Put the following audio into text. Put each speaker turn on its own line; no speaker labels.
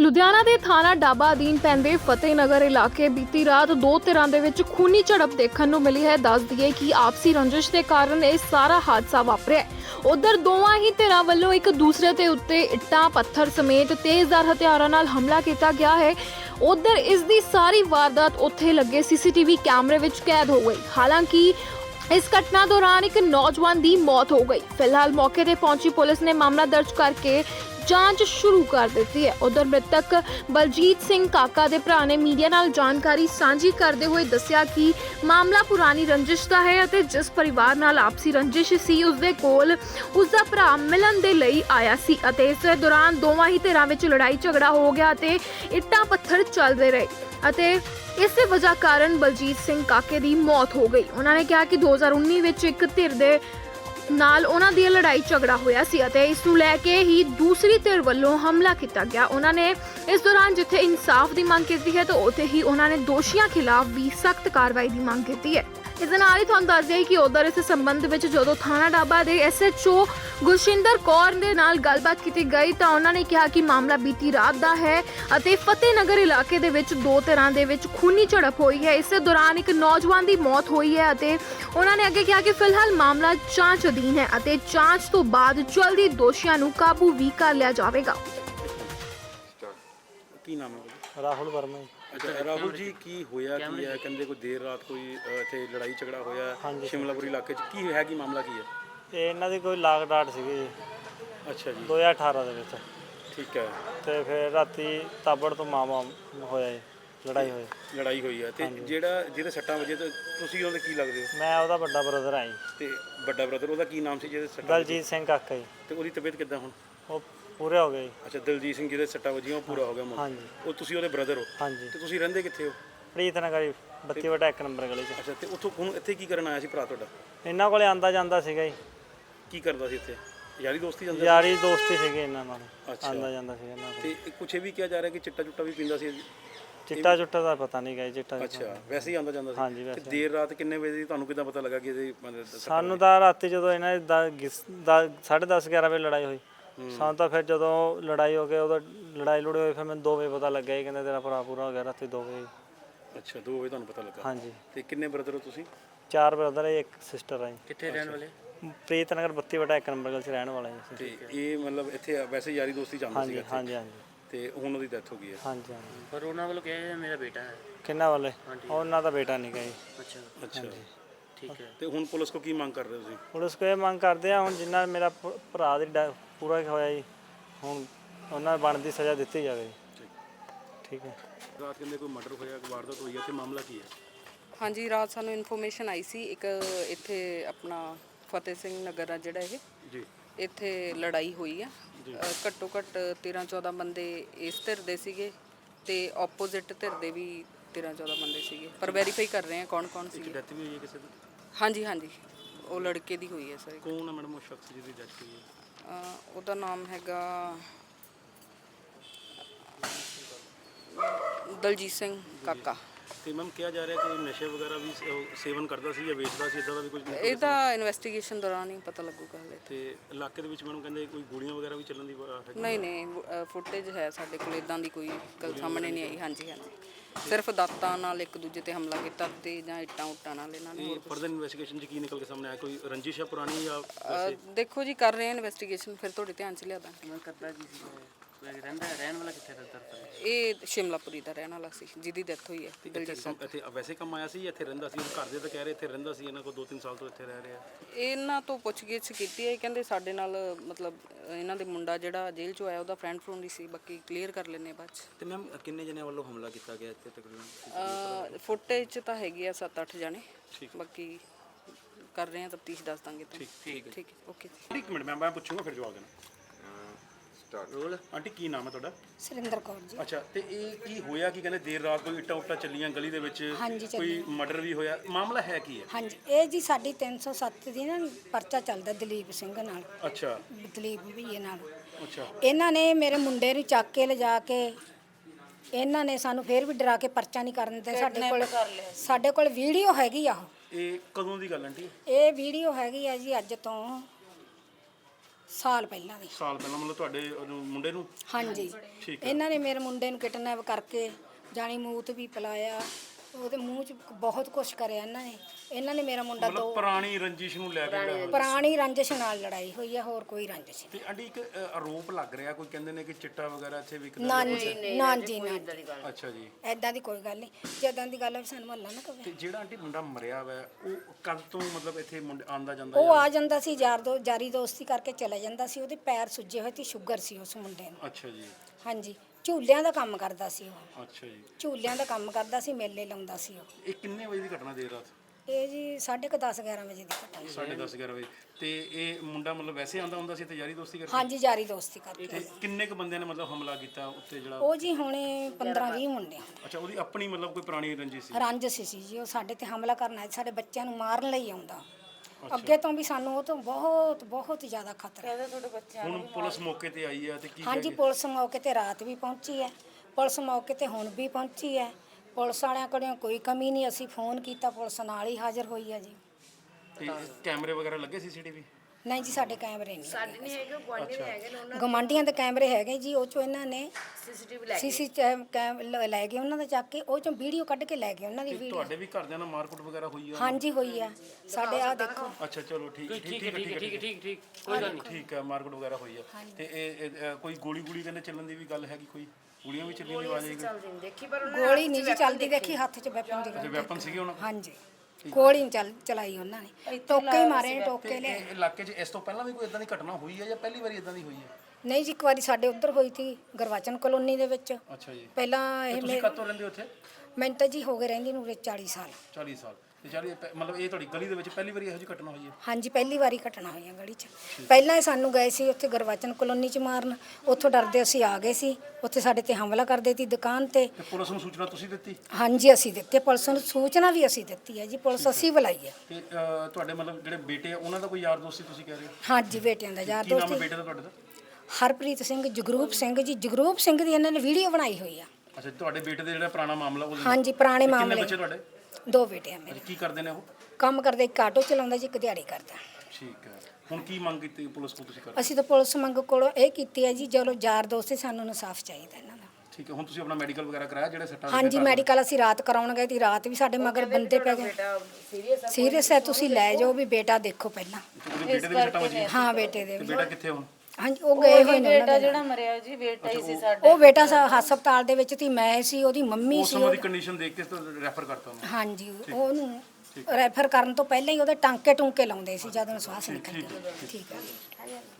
ਲੁਧਿਆਣਾ ਦੇ ਥਾਣਾ ਡਾਬਾ ਅਧੀਨ ਪੈਂਦੇ ਫਤਿਹਨਗਰ ਇਲਾਕੇ ਬੀਤੀ ਰਾਤ ਦੋ ਧਿਰਾਂ ਦੇ ਵਿੱਚ ਖੂਨੀ ਝੜਪ ਦੇਖਣ ਨੂੰ ਮਿਲੀ ਹੈ। ਦੱਸ ਦਈਏ ਕਿ ਆਪਸੀ ਰੰਜਿਸ਼ ਦੇ ਕਾਰਨ ਇਹ ਸਾਰਾ ਹਾਦਸਾ ਵਾਪਰਿਆ ਹੈ। ਉਧਰ ਦੋਵਾਂ ਹੀ ਧਿਰਾਂ ਵੱਲੋਂ ਇੱਕ ਦੂਸਰੇ ਦੇ ਉੱਤੇ ਇੱਟਾਂ ਪੱਥਰ ਸਮੇਤ ਤੇਜ਼ਧਾਰ ਹਥਿਆਰਾਂ ਨਾਲ ਹਮਲਾ ਕੀਤਾ ਗਿਆ ਹੈ। ਉਧਰ ਇਸ ਦੀ ਸਾਰੀ ਵਾਰਦਾਤ ਉੱਥੇ ਲੱਗੇ ਸੀਸੀਟੀਵੀ ਕੈਮਰੇ ਵਿੱਚ ਕੈਦ ਹੋ ਗਈ। ਹਾਲਾਂਕਿ इस घटना दौरान एक नौजवान की मौत हो गई। फिलहाल मौके पर पहुंची पुलिस ने मामला दर्ज करके जांच शुरू कर दी है। उधर मृतक बलजीत सिंह काका दे भरा ने मीडिया नाल जानकारी सांझी करते हुए दस्सिया कि मामला पुरानी रंजिश दा है अते जिस परिवार नाल आपसी रंजिश सी उसदे कोल उसदा भरा मिलन दे लई आया सी अते इस दौरान दोवां ही धिरां विच लड़ाई झगड़ा हो गया अते इट्टां पत्थर चलदे रहे अते इस वजह कारण बलजीत सिंह काके की मौत हो गई। उन्होंने कहा कि 2019 ਵਿੱਚ ਇੱਕ ਧਿਰ ਦੇ ਨਾਲ ਉਹਨਾਂ ਦੀ ਲੜਾਈ ਝਗੜਾ ਹੋਇਆ ਸੀ ਅਤੇ ਇਸ ਨੂੰ ਲੈ ਕੇ ਹੀ ਦੂਸਰੀ ਧਿਰ ਵੱਲੋਂ ਹਮਲਾ ਕੀਤਾ ਗਿਆ। ਉਹਨਾਂ ਨੇ ਇਸ ਦੌਰਾਨ ਜਿੱਥੇ ਇਨਸਾਫ ਦੀ ਮੰਗ ਕੀਤੀ ਹੈ ਤਾਂ ਉੱਥੇ ਹੀ ਉਹਨਾਂ ਨੇ ਦੋਸ਼ੀਆਂ ਖਿਲਾਫ ਵੀ ਸਖਤ ਕਾਰਵਾਈ ਦੀ ਮੰਗ ਕੀਤੀ ਹੈ। ਇਸ ਦੇ ਨਾਲ ਹੀ ਤੁਹਾਨੂੰ ਦੱਸ ਦਈਏ ਕਿ ਉਧਰ ਇਸ ਸੰਬੰਧ ਵਿੱਚ ਜਦੋਂ ਥਾਣਾ ਡਾਬਾ ਦੇ SHO ਗੁਰਸ਼ਿੰਦਰ ਕੌਰ ਦੇ ਨਾਲ ਗੱਲਬਾਤ ਕੀਤੀ ਗਈ ਤਾਂ ਉਹਨਾਂ ਨੇ ਕਿਹਾ ਕਿ ਮਾਮਲਾ ਬੀਤੀ ਰਾਤ ਦਾ ਹੈ ਅਤੇ ਫਤਿਹਨਗਰ ਇਲਾਕੇ ਦੇ ਵਿੱਚ ਦੋ ਧਿਰਾਂ ਦੇ ਵਿੱਚ ਖੂਨੀ ਝੜਪ ਹੋਈ ਹੈ। ਇਸ ਦੌਰਾਨ ਇੱਕ ਨੌਜਵਾਨ ਦੀ ਮੌਤ ਹੋਈ ਹੈ ਅਤੇ ਉਹਨਾਂ ਨੇ ਅੱਗੇ ਕਿਹਾ ਕਿ ਫਿਲਹਾਲ ਮਾਮਲਾ ਜਾਂਚ ਅਧੀਨ ਹੈ ਅਤੇ ਜਾਂਚ ਤੋਂ ਬਾਅਦ ਜਲਦੀ ਦੋਸ਼ੀਆਂ ਨੂੰ ਕਾਬੂ ਵੀ ਕਰ ਲਿਆ ਜਾਵੇਗਾ।
ਕੀ ਨਾਮ ਹੈ?
ਰਾਹੁਲ ਵਰਮਾ ਜੀ।
ਅੱਛਾ ਰਾਹੁਲ ਜੀ, ਕੀ ਹੋਇਆ ਕੀ ਹੈ? ਕਹਿੰਦੇ ਕੋਈ ਦੇਰ ਰਾਤ ਕੋਈ ਇੱਥੇ ਲੜਾਈ ਝਗੜਾ ਹੋਇਆ ਸ਼ਿਮਲਾਪੁਰੀ ਇਲਾਕੇ 'ਚ, ਕੀ ਹੈ, ਕੀ ਮਾਮਲਾ ਕੀ ਹੈ?
ਇਹ ਇਹਨਾਂ ਦੀ ਕੋਈ ਲਾਗ ਡਾਟ ਸੀਗੀ ਜੀ।
ਅੱਛਾ ਜੀ,
2018 ਦੇ ਵਿੱਚ।
ਠੀਕ ਹੈ।
ਤੇ ਫਿਰ ਰਾਤੀ ਤਾਬੜ ਤੋਂ ਮਾਮਾ ਹੋਇਆ ਜੀ, ਲੜਾਈ ਹੋਈ ਹੈ। ਤੇ ਜਿਹਦੇ ਸੱਟਾਂ ਵਜੇ ਤੇ ਤੁਸੀਂ ਉਹਦੇ ਕੀ ਲੱਗਦੇ ਹੋ? ਮੈਂ ਉਹਦਾ ਵੱਡਾ ਬ੍ਰਦਰ ਹਾਂ ਜੀ। ਤੇ ਵੱਡਾ ਬ੍ਰਦਰ, ਉਹਦਾ ਕੀ ਨਾਮ ਸੀ ਜਿਹਦੇ ਸੱਟਾਂ? ਦਲਜੀਤ ਸਿੰਘ ਕਾਕਾ ਜੀ। ਤੇ ਉਹਦੀ ਤਬੀਅਤ ਕਿੱਦਾਂ ਹੁਣ? ਉਹ ਪੂਰੇ ਹੋ ਗਏ। ਅੱਛਾ, ਦਲਜੀਤ ਸਿੰਘ ਜਿਹਦੇ ਸੱਟਾਂ ਵਜੀਆਂ ਉਹ ਪੂਰਾ ਹੋ ਗਿਆ? ਹਾਂਜੀ। ਉਹ ਤੁਸੀਂ ਉਹਦੇ ਬ੍ਰਦਰ ਹੋ? ਹਾਂਜੀ। ਤੇ ਤੁਸੀਂ ਰਹਿੰਦੇ ਕਿੱਥੇ ਹੋ? ਪ੍ਰੀਤਨਗਰ 32/1 ਨੰਬਰ ਗਲੀ 'ਚ। ਅੱਛਾ, ਤੇ ਉੱਥੋਂ ਹੁਣ ਇੱਥੇ ਕੀ ਕਰਨ ਆਇਆ ਸੀ ਭਰਾ ਤੁਹਾਡਾ? ਇਹਨਾਂ ਕੋਲੇ ਆਂਦਾ ਜਾਂਦਾ ਸੀਗਾ ਜੀ। ਕੀ ਕਰਦਾ ਸੀ ਇੱਥੇ? ਯਾਰੀ ਦੋਸਤੀ ਜਾਂਦਾ? ਯਾਰੀ ਦੋਸਤੀ ਸੀਗੀ ਇਹਨਾਂ ਨਾਲ, ਆਂਦਾ ਜਾਂਦਾ ਸੀ ਇਹਨਾਂ ਕੋਲ। ਤੇ ਕੁਛ ਇਹ ਵੀ ਕਿਹਾ ਜਾ ਰਿਹਾ ਕਿ ਚਿੱਟਾ ਚੁੱਟਾ ਵੀ ਪੀਂਦਾ ਸੀ? ਚਿੱਟਾ ਚੁੱਟਾ ਦਾ ਪਤਾ ਨਹੀਂ ਗਾ ਜੀ। ਚਿੱਟਾ ਅੱਛਾ, ਵੈਸੇ ਹੀ ਆਂਦਾ ਜਾਂਦਾ ਸੀ? ਹਾਂਜੀ। ਤੇ ਦੇਰ ਰਾਤ ਕਿੰਨੇ ਵਜੇ ਤੁਹਾਨੂੰ ਕਿੱਦਾਂ ਪਤਾ ਲੱਗਾ ਕਿ ਇਹਦੇ? ਸਾਨੂੰ ਤਾਂ ਰਾਤੀ ਜਦੋਂ ਇਹਨਾਂ ਦੀ 10:30 11 ਵਜੇ ਲੜਾਈ ਹੋਈ ਸਾਨੂੰ ਤਾਂ ਫਿਰ ਜਦੋਂ ਲੜਾਈ ਹੋ ਗਈ ਉਦੋਂ ਲੜਾਈ ਲੁੜੀ ਹੋਈ ਫਿਰ ਮੈਨੂੰ 2 ਵਜੇ ਪਤਾ ਲੱਗਿਆ ਜੀ, ਕਹਿੰਦੇ ਤੇਰਾ ਭਰਾ ਪੂਰਾ ਹੋ ਗਿਆ ਰਾਤੀ 2 ਵਜੇ। ਅੱਛਾ, 2 ਵਜੇ ਤੁਹਾਨੂੰ ਪਤਾ ਲੱਗਾ? ਹਾਂਜੀ। ਤੇ ਕਿੰਨੇ ਬ੍ਰਦਰ ਹੋ ਤੁਸੀਂ? 4 ਬ੍ਰਦਰ ਹੈ, ਇੱਕ ਸਿਸਟਰ ਹੈ। ਕਿੱਥੇ ਰਹਿਣ ਵਾਲੇ? ਪ੍ਰੀਤਨਗਰ 32/1 ਨੰਬਰ ਗਲੀ 'ਚ ਰਹਿਣ ਵਾਲਾ ਜੀ। ਤੇ ਇਹ ਮਤਲਬ ਇੱਥੇ ਵੈਸੇ ਯਾਰੀ ਦੋਸਤੀ ਚੱਲਦੀ ਸੀ? ਹਾਂਜੀ ਹਾਂਜੀ। ਤੇ ਹੁਣ ਉਹਦੀ ਡੈਥ ਹੋ ਗਈ ਹੈ? ਹਾਂਜੀ ਹਾਂਜੀ। ਪਰ ਉਹਨਾਂ ਵੱਲੋਂ ਕਿਹਾ ਜਾਂਦਾ ਮੇਰਾ ਬੇਟਾ ਹੈ। ਕਿੰਨਾ ਵਾਲੇ? ਉਹਨਾਂ ਦਾ ਬੇਟਾ ਨਹੀਂ ਗਾ ਜੀ। ਅੱਛਾ ਅੱਛਾ, ਠੀਕ ਹੈ। ਤੇ ਹੁਣ ਪੁਲਿਸ ਕੋ ਕੀ ਮੰਗ ਕਰ ਰਹੇ ਹੋ ਤੁਸੀਂ? ਪੁਲਿਸ ਕੋ ਇਹ ਮੰਗ ਕਰਦੇ ਆ ਹੁਣ ਜਿੰਨਾ ਮੇਰਾ ਭਰਾ ਦੀ ਪੂਰਾ ਹੋਇਆ ਜੀ, ਹੁਣ ਉਹਨਾਂ ਬਣਦੀ ਸਜ਼ਾ ਦਿੱਤੀ ਜਾਵੇ ਜੀ। ਠੀਕ ਹੈ। ਰਾਤ ਕਹਿੰਦੇ ਕੋਈ ਮਰਡਰ ਹੋਇਆ, ਵਾਰਦਾਤ ਹੋਈ ਹੈ, ਤੇ ਮਾਮਲਾ ਕੀ ਹੈ? ਹਾਂਜੀ, ਰਾਤ ਸਾਨੂੰ ਇਨਫੋਰਮੇਸ਼ਨ ਆਈ ਸੀ ਇੱਕ ਇੱਥੇ ਆਪਣਾ ਫਤਿਹ ਸਿੰਘ ਨਗਰ ਆ ਜਿਹੜਾ ਇਹ ਜੀ, ਇੱਥੇ ਲੜਾਈ ਹੋਈ ਆ। ਘੱਟੋ ਘੱਟ 13-14 ਬੰਦੇ ਇਸ ਧਿਰ ਦੇ ਸੀਗੇ ਤੇ ਆਪੋਜ਼ਿਟ ਧਿਰ ਦੇ ਵੀ 13-14 ਬੰਦੇ ਸੀਗੇ, ਪਰ ਵੈਰੀਫਾਈ ਕਰ ਰਹੇ ਆ ਕੌਣ ਕੌਣ ਸੀ। ਡੈਥ ਵੀ ਹੋਈ ਹੈ ਕਿਸੇ ਦੀ? ਹਾਂਜੀ ਹਾਂਜੀ, ਉਹ ਲੜਕੇ ਦੀ ਹੋਈ ਹੈ ਸਰ। ਕੌਣ ਹੈ ਮੈਡਮ ਉਹ ਸ਼ਖਸ ਜਿਹਦੀ ਡੈਥ ਹੋਈ ਹੈ? ਉਹਦਾ ਨਾਮ ਹੈਗਾ ਦਲਜੀਤ ਸਿੰਘ ਕਾਕਾ। ਤੇ ਮੈਮ ਕਿਹਾ ਜਾ ਰਿਹਾ ਕਿ ਨਸ਼ੇ ਵਗੈਰਾ ਵੀ ਸੇਵਨ ਕਰਦਾ ਸੀ ਜਾਂ ਵੇਚਦਾ ਸੀ, ਇਦਾਂ ਦਾ ਵੀ ਕੁਝ? ਇਹ ਤਾਂ ਇਨਵੈਸਟੀਗੇਸ਼ਨ ਦੌਰਾਨ ਹੀ ਪਤਾ ਲੱਗੂਗਾ ਹਲੇ। ਤੇ ਇਲਾਕੇ ਦੇ ਵਿੱਚ ਮੈਨੂੰ ਕਹਿੰਦੇ ਕੋਈ ਗੋਲੀਆਂ ਵਗੈਰਾ ਵੀ ਚੱਲਣ ਦੀ? ਨਹੀਂ ਨਹੀਂ, ਫੁਟੇਜ ਹੈ ਸਾਡੇ ਕੋਲ, ਇਦਾਂ ਦੀ ਕੋਈ ਗੱਲ ਸਾਹਮਣੇ ਨਹੀਂ ਆਈ। ਹਾਂਜੀ ਹਾਂਜੀ, ਸਿਰਫ ਦਾਤਾਂ ਨਾਲ ਇੱਕ ਦੂਜੇ ਤੇ ਹਮਲਾ ਕੀਤਾ ਤੇ ਜਾਂ ਇੱਟਾਂ ਉੱਟਾਂ ਨਾਲ ਇਹਨਾਂ ਨੇ। ਫਰਦਰ ਇਨਵੈਸਟੀਗੇਸ਼ਨ 'ਚ ਕੀ ਨਿਕਲ ਕੇ ਸਾਹਮਣੇ ਆਇਆ? ਕੋਈ ਰੰਜਿਸ਼ ਹੈ ਪੁਰਾਣੀ ਜਾਂ? ਦੇਖੋ ਜੀ, ਕਰ ਰਹੇ ਆ ਇਨਵੈਸਟੀਗੇਸ਼ਨ, ਫਿਰ ਤੁਹਾਡੇ ਧਿਆਨ 'ਚ ਲਿਆਦਾ। ਕਰਦਾ ਜੀ ਰਹਿਣ ਵਾਲਾ ਕਿੱਥੇ ਦਾ? ਇਹ ਸ਼ਿਮਲਾਪੁਰੀ ਦਾ ਰਹਿਣ ਵਾਲਾ ਸੀ ਜਿਹਦੀ ਡੈਥ ਹੋਈ ਹੈ। ਇੱਥੇ ਵੈਸੇ ਕੰਮ ਆਇਆ ਸੀ, ਇੱਥੇ ਰਹਿੰਦਾ ਸੀ? ਘਰ ਦੇ ਤਾਂ ਕਹਿ ਰਹੇ ਇੱਥੇ ਰਹਿੰਦਾ ਸੀ, ਇਹਨਾਂ ਕੋਲ 2-3 ਸਾਲ ਤੋਂ ਇੱਥੇ ਰਹਿ ਰਿਹਾ। ਇਹਨਾਂ ਤੋਂ ਪੁੱਛਗਿੱਛ ਕੀਤੀ ਹੈ, ਕਹਿੰਦੇ ਸਾਡੇ ਨਾਲ ਮਤਲਬ ਇਹਨਾਂ ਦੇ ਮੁੰਡਾ ਜਿਹੜਾ ਜੇਲ੍ਹ 'ਚੋਂ ਆਇਆ ਉਹਦਾ ਫਰੈਂਡ ਹੀ ਸੀ, ਬਾਕੀ ਕਲੀਅਰ ਕਰ ਲੈਂਦੇ ਬਾਅਦ 'ਚ। ਤੇ ਮੈਮ ਕਿੰਨੇ ਜਣਿਆਂ ਵੱਲੋਂ ਹਮਲਾ ਕੀਤਾ ਗਿਆ ਇੱਥੇ ਤਕਰੀਬਨ? ਫੁਟੇਜ 'ਚ ਤਾਂ ਹੈਗੇ ਆ 7-8 ਜਣੇ, ਬਾਕੀ ਕਰ ਰਹੇ ਆ ਤਫਤੀਸ਼, ਦੱਸ ਦਾਂਗੇ। ਠੀਕ ਹੈ, ਓਕੇ। ਇੱਕ ਮਿੰਟ ਮੈਂ ਪੁੱਛੂੰਗਾ ਫਿਰ ਜਵਾਬ ਦੇਣਾ। ਰੋਲ ਆਂਟੀ, ਕੀ ਨਾਮ ਹੈ ਤੁਹਾਡਾ? ਸੁਰਿੰਦਰ ਕੌਰ ਜੀ। ਅੱਛਾ, ਤੇ ਇਹ ਕੀ ਹੋਇਆ? ਕੀ ਕਹਿੰਦੇ ਦੇਰ ਰਾਤ ਕੋਈ ਇੱਟਾਂ ਉੱਟਾਂ ਚੱਲੀਆਂ ਗਲੀ ਦੇ ਵਿੱਚ, ਕੋਈ ਮਰਡਰ ਵੀ ਹੋਇਆ, ਮਾਮਲਾ ਹੈ ਕੀ ਹੈ?
ਹਾਂਜੀ, ਇਹ ਜੀ ਸਾਡੀ 307 ਦੀ ਨਾ ਪਰਚਾ ਚੱਲਦਾ ਦਲੀਪ ਸਿੰਘ ਨਾਲ। ਅੱਛਾ, ਦਲੀਪ ਭਈਏ ਨਾਲ। ਅੱਛਾ, ਇਹਨਾਂ ਨੇ ਮੇਰੇ ਮੁੰਡੇ ਨੂੰ ਚੱਕ ਕੇ ਲਿਜਾ ਕੇ ਇਹਨਾਂ ਨੇ ਸਾਨੂੰ ਫੇਰ ਵੀ ਡਰਾ ਕੇ ਪਰਚਾ ਨਹੀਂ ਕਰਨ ਦਿੱਤਾ। ਸਾਡੇ ਕੋਲ ਵੀਡੀਓ ਹੈਗੀ ਆ। ਇਹ
ਕਦੋਂ ਦੀ ਗੱਲ ਆਂਟੀ?
ਇਹ ਵੀਡੀਓ ਹੈਗੀ ਆ ਜੀ ਅੱਜ ਤੋਂ ਸਾਲ ਪਹਿਲਾਂ ਦੀ।
ਸਾਲ ਪਹਿਲਾਂ ਮਤਲਬ ਤੁਹਾਡੇ ਮੁੰਡੇ ਨੂੰ?
ਹਾਂਜੀ,
ਠੀਕ ਹੈ।
ਇਹਨਾਂ ਨੇ ਮੇਰੇ ਮੁੰਡੇ ਨੂੰ ਕਿਡਨੈਪ ਕਰਕੇ ਜਾਣੀ ਮੂਤ ਵੀ ਪਿਲਾਇਆ, ਉਹਦੇ ਮੂੰਹ 'ਚ ਬਹੁਤ ਕੁਛ ਕਰਿਆ ਇਹਨਾਂ ਨੇ ਮੇਰਾ ਮੁੰਡਾ
ਮਤਲਬ ਪੁਰਾਣੀ ਰੰਜਿਸ਼ ਨੂੰ ਲੈ ਕੇ ਜਿਹੜਾ
ਪੁਰਾਣੀ ਰੰਜਿਸ਼ ਨਾਲ ਲੜਾਈ ਹੋਈ ਹੈ, ਹੋਰ ਕੋਈ ਰੰਜਿਸ਼
ਤੇ ਆਂਟੀ ਇੱਕ ਆਰੋਪ ਲੱਗ ਰਿਹਾ, ਕੋਈ ਕਹਿੰਦੇ ਨੇ ਕਿ ਚਿੱਟਾ ਵਗੈਰਾ ਇੱਥੇ ਵਿਕਦਾ।
ਨਾ ਜੀ, ਨਾ ਜੀ, ਨਾ।
ਅੱਛਾ ਜੀ,
ਐਦਾਂ ਦੀ ਕੋਈ ਗੱਲ ਨਹੀਂ, ਜਦੋਂ ਦੀ ਗੱਲ ਹੈ ਸਾਨੂੰ ਮਹੱਲਾ ਨਾ ਕਵੇ।
ਤੇ ਜਿਹੜਾ ਆਂਟੀ ਮੁੰਡਾ ਮਰਿਆ ਵਾ ਉਹ ਕਦ ਤੋਂ ਮਤਲਬ ਇੱਥੇ ਆਂਦਾ ਜਾਂਦਾ?
ਉਹ ਆ ਜਾਂਦਾ ਸੀ ਯਾਰੀ ਦੋਸਤੀ ਕਰਕੇ ਚਲਾ ਜਾਂਦਾ ਸੀ, ਉਹਦੇ ਪੈਰ ਸੁੱਜੇ ਹੋਏ ਤੇ ਸ਼ੂਗਰ ਸੀ ਉਸ ਮੁੰਡੇ ਨੂੰ।
ਅੱਛਾ ਜੀ।
ਹਾਂਜੀ, ਝੂਲਿਆਂ ਦਾ ਕੰਮ ਕਰਦਾ ਸੀ ਉਹ।
ਅੱਛਾ ਜੀ,
ਝੂਲਿਆਂ ਦਾ ਕੰਮ ਕਰਦਾ ਸੀ, ਮੇਲੇ ਲਾਉਂਦਾ ਸੀ ਉਹ।
ਇਹ ਕਿੰਨੇ ਵਜੇ ਦੀ ਘਟਨਾ ਦੇਰ ਰਾਤ?
ਇਹ ਜੀ 10:30-11 ਵਜੇ ਦੀ ਘਟਨਾ।
10:30-11 ਵਜੇ। ਤੇ ਇਹ ਮੁੰਡਾ ਮਤਲਬ ਵੈਸੇ ਆਂਦਾ ਹੁੰਦਾ ਸੀ ਤੇ ਯਾਰੀ ਦੋਸਤੀ ਕਰਕੇ?
ਹਾਂਜੀ, ਯਾਰੀ ਦੋਸਤੀ ਕਰਕੇ।
ਤੇ ਕਿੰਨੇ ਕੁ ਬੰਦਿਆਂ ਨੇ ਮਤਲਬ ਹਮਲਾ ਕੀਤਾ ਉੱਤੇ ਜਿਹੜਾ?
ਉਹ ਜੀ ਹੁਣੇ 15-20 ਮੁੰਡੇ
ਅੱਛਾ, ਉਹਦੀ ਆਪਣੀ ਮਤਲਬ ਕੋਈ ਪੁਰਾਣੀ ਰੰਜਿਸ਼ ਸੀ?
ਰੰਜਿਸ਼ ਸੀ ਜੀ, ਉਹ ਸਾਡੇ ਤੇ ਹਮਲਾ ਕਰਨ ਆਇਆ, ਸਾਡੇ ਬੱਚਿਆਂ ਨੂੰ ਮਾਰਨ ਲਈ ਆਉਂਦਾ। ਅੱਗੇ ਤੋਂ ਵੀ ਸਾਨੂੰ ਉਹ ਤੋਂ ਬਹੁਤ ਬਹੁਤ ਜ਼ਿਆਦਾ ਖਤਰਾ ਹੈ।
ਹੁਣ ਪੁਲਿਸ ਮੌਕੇ ਤੇ ਆਈ ਹੈ ਤੇ ਕੀ
ਹਾਂਜੀ, ਪੁਲਿਸ ਮੌਕੇ ਤੇ ਰਾਤ ਵੀ ਪਹੁੰਚੀ ਹੈ, ਪੁਲਿਸ ਮੌਕੇ ਤੇ ਹੁਣ ਵੀ ਪਹੁੰਚੀ ਹੈ। ਪੁਲਿਸ ਵਾਲਿਆਂ ਕੋਲੋਂ ਕੋਈ ਕਮੀ ਨਹੀਂ, ਅਸੀਂ ਫੋਨ ਕੀਤਾ, ਪੁਲਿਸ ਨਾਲ ਹੀ ਹਾਜ਼ਰ ਹੋਈ ਹੈ ਜੀ।
ਤੇ ਕੈਮਰੇ ਵਗੈਰਾ ਲੱਗੇ ਸੀਸੀਟੀਵੀ?
ਨਹੀਂ ਜੀ, ਸਾਡੇ ਕੈਮਰੇ ਨਹੀਂ, ਸਾਡੇ ਨਹੀਂ ਹੈਗੇ, ਗੁਆਂਢੀ ਦੇ ਹੈਗੇ ਨੇ, ਉਹਨਾਂ ਗੁਆਂਢੀਆਂ ਦੇ ਕੈਮਰੇ ਹੈਗੇ ਜੀ। ਉਹ ਚੋਂ ਇਹਨਾਂ ਨੇ ਸੀਸੀਟੀਵੀ ਲੈ ਗਏ ਉਹਨਾਂ ਦਾ ਚੱਕ ਕੇ, ਉਹ ਚੋਂ ਵੀਡੀਓ ਕੱਢ ਕੇ ਲੈ ਗਏ ਉਹਨਾਂ ਦੀ ਵੀਡੀਓ।
ਤੁਹਾਡੇ ਵੀ ਘਰਦਿਆਂ ਨਾਲ ਮਾਰਕੁੱਟ ਵਗੈਰਾ ਹੋਈ ਆ?
ਹਾਂਜੀ, ਹੋਈ ਆ ਸਾਡੇ, ਆ ਦੇਖੋ।
ਅੱਛਾ, ਚਲੋ ਠੀਕ ਕੋਈ ਗੱਲ ਨਹੀਂ, ਠੀਕ ਹੈ, ਮਾਰਕੁੱਟ ਵਗੈਰਾ ਹੋਈ ਆ। ਤੇ ਇਹ ਕੋਈ ਗੋਲੀ ਕਹਿੰਦੇ ਚੱਲਣ ਦੀ ਵੀ ਗੱਲ ਹੈਗੀ? ਕੋਈ ਗੋਲੀਆਂ ਵੀ ਚੱਲੀਆਂ ਦੀ ਆਵਾਜ਼ ਆਈ?
ਗੋਲੀ ਨਹੀਂ ਜੀ ਚੱਲਦੀ ਦੇਖੀ, ਹੱਥ 'ਚ ਵੈਪਨ ਦੀ।
ਵੈਪਨ ਸੀਗੇ ਉਹਨਾਂ?
ਹਾਂਜੀ, ਗੋਲੀ ਨਹੀਂ ਚਲਾਈ ਉਹਨਾਂ ਨੇ, ਟੋਕੇ ਹੀ ਮਾਰੇ, ਟੋਕੇ ਲੈ।
ਇਲਾਕੇ 'ਚ ਇਸ ਤੋਂ ਪਹਿਲਾਂ ਵੀ ਕੋਈ ਇਦਾਂ ਦੀ ਘਟਨਾ ਹੋਈ ਹੈ ਜਾਂ ਪਹਿਲੀ ਵਾਰੀ ਇਦਾਂ ਦੀ ਹੋਈ ਹੈ?
ਨਹੀਂ ਜੀ, ਇੱਕ ਵਾਰੀ ਸਾਡੇ ਉੱਧਰ ਹੋਈ ਸੀ ਗਰਵਾਚਨ ਕਲੋਨੀ ਦੇ ਵਿੱਚ।
ਅੱਛਾ ਜੀ।
ਪਹਿਲਾਂ ਇਹ
ਤੁਸੀਂ ਕਦ ਤੋਂ ਰਹਿੰਦੇ ਹੋ ਉੱਥੇ?
ਮੈਨੂੰ ਤਾਂ ਜੀ ਹੋ ਗਏ ਰਹਿੰਦੀ ਨੂੰ 40 ਸਾਲ।
40 ਸਾਲ। ਤੇ 40 ਮਤਲਬ ਇਹ ਤੁਹਾਡੀ ਗਲੀ ਦੇ ਵਿੱਚ ਪਹਿਲੀ ਵਾਰੀ ਇਹੋ ਜਿਹੀ ਘਟਨਾ ਹੋਈ ਹੈ?
ਹਾਂਜੀ, ਪਹਿਲੀ ਵਾਰੀ ਘਟਨਾ ਹੋਈ ਹੈ ਗਲੀ 'ਚ। ਪਹਿਲਾਂ ਇਹ ਸਾਨੂੰ ਗਏ ਸੀ ਉੱਥੇ ਗਰਵਾਚਨ ਕਲੋਨੀ 'ਚ ਮਾਰਨ, ਉੱਥੋਂ ਡਰਦੇ ਅਸੀਂ ਆ ਗਏ ਸੀ, ਉੱਥੇ ਸਾਡੇ ਤੇ ਹਮਲਾ ਕਰ ਦਿੱਤੀ ਦੁਕਾਨ ਤੇ।
ਤੇ ਪੁਲਿਸ ਨੂੰ ਸੂਚਨਾ ਤੁਸੀਂ ਦਿੱਤੀ?
ਹਾਂਜੀ, ਅਸੀਂ ਦਿੱਤੀ, ਪੁਲਿਸ ਨੂੰ ਸੂਚਨਾ ਵੀ ਅਸੀਂ ਦਿੱਤੀ ਹੈ ਜੀ, ਪੁਲਿਸ ਅਸੀਂ ਬੁਲਾਈ ਹੈ।
ਤੇ ਤੁਹਾਡੇ ਮਤਲਬ ਜਿਹੜੇ ਬੇਟੇ ਆ ਉਹਨਾਂ ਦਾ ਕੋਈ ਯਾਰ ਦੋਸਤ ਸੀ ਤੁਸੀਂ ਕਹਿ ਰਹੇ ਹੋ?
ਹਾਂਜੀ, ਬੇਟਿਆਂ ਦਾ ਯਾਰ
ਕੀ ਨਾਮ ਹੈ
ਦੋਸਤ।
ਬੇਟੇ ਦਾ ਤੁਹਾਡੇ ਦਾ?
ਹਰਪ੍ਰੀਤ ਸਿੰਘ, ਜਗਰੂਪ ਸਿੰਘ ਜੀ, ਜਗਰੂਪ ਸਿੰਘ ਦੀ ਇਹਨਾਂ ਨੇ ਵੀਡੀਓ ਬਣਾਈ ਹੋਈ ਆ।
ਅੱਛਾ, ਤੁਹਾਡੇ ਬੇਟੇ ਦਾ ਜਿਹੜਾ ਪੁਰਾਣਾ ਮਾਮਲਾ ਉਹ?
ਹਾਂਜੀ, ਪੁਰਾਣੇ
ਕਿੰਨੇ
ਮਾਮਲੇ।
ਬੱਚੇ ਤੁਹਾਡੇ?
2 ਬੇਟੇ ਆ ਮੇਰੇ।
ਕੀ ਕਰਦੇ ਨੇ ਉਹ?
ਕੰਮ ਕਰਦੇ, ਇੱਕ ਆਟੋ ਚਲਾਉਂਦਾ ਜੀ, ਇੱਕ ਦਿਹਾੜੀ ਕਰਦਾ।
ਠੀਕ ਹੈ। ਹੁਣ ਕੀ ਮੰਗ ਕੀਤੀ ਪੁਲਿਸ ਕੋਲ ਤੁਸੀਂ ਕਰਦੇ?
ਅਸੀਂ ਤਾਂ ਪੁਲਿਸ ਮੰਗ ਕੋਲੋਂ ਇਹ ਕੀਤੀ ਹੈ ਜੀ, ਚਲੋ ਯਾਰ ਦੋਸਤ ਸਾਨੂੰ ਇਨਸਾਫ ਚਾਹੀਦਾ ਇਹਨਾਂ ਦਾ।
ਠੀਕ ਹੈ। ਹੁਣ ਤੁਸੀਂ ਆਪਣਾ ਮੈਡੀਕਲ ਵਗੈਰਾ ਕਰਾਇਆ ਜਿਹੜੇ ਸੱਟਾਂ?
ਹਾਂਜੀ, ਮੈਡੀਕਲ ਅਸੀਂ ਰਾਤ ਕਰਾਉਣ ਗਏ ਤੇ ਰਾਤ ਵੀ ਸਾਡੇ ਮਗਰ ਬੰਦੇ ਪੈ ਗਏ। ਸੀਰੀਅਸ ਹੈ, ਤੁਸੀਂ ਲੈ ਜਾਓ ਵੀ ਬੇਟਾ ਦੇਖੋ ਪਹਿਲਾਂ।
ਉਹਦੇ ਬੇਟੇ ਦੇ ਵੀ ਸੱਟਾਂ ਵੱਜੀਆਂ?
ਹਾਂ, ਬੇਟੇ ਦੇ
ਤੇ
ਵੀ।
ਬੇਟਾ ਕਿੱਥੇ ਹੁਣ?
ਹਾਂਜੀ, ਉਹ ਗਏ ਹੋਏ ਨੇ।
ਬੇਟਾ ਜਿਹੜਾ ਮਰਿਆ ਜੀ, ਬੇਟਾ ਹੀ ਸੀ ਸਾਡਾ।
ਉਹ ਬੇਟਾ ਹਸਪਤਾਲ ਦੇ ਵਿੱਚ ਸੀ, ਮੈਂ ਸੀ, ਉਹਦੀ ਮੰਮੀ
ਉਸ
ਸੀ।
ਸਮੇਂ ਦੀ ਕੰਡੀਸ਼ਨ ਦੇਖ ਕੇ ਰੈਫਰ ਕਰਤਾ ਉਹਨੂੰ?
ਹਾਂਜੀ, ਉਹਨੂੰ ਰੈਫਰ ਕਰਨ ਤੋਂ ਪਹਿਲਾਂ ਹੀ ਉਹਦੇ ਟਾਂਕੇ ਟੁੰਕੇ ਲਾਉਂਦੇ ਸੀ ਜਦੋਂ ਸਵਾਸ ਨਿਕਲ ਗਈ। ਠੀਕ ਹੈ ਜੀ।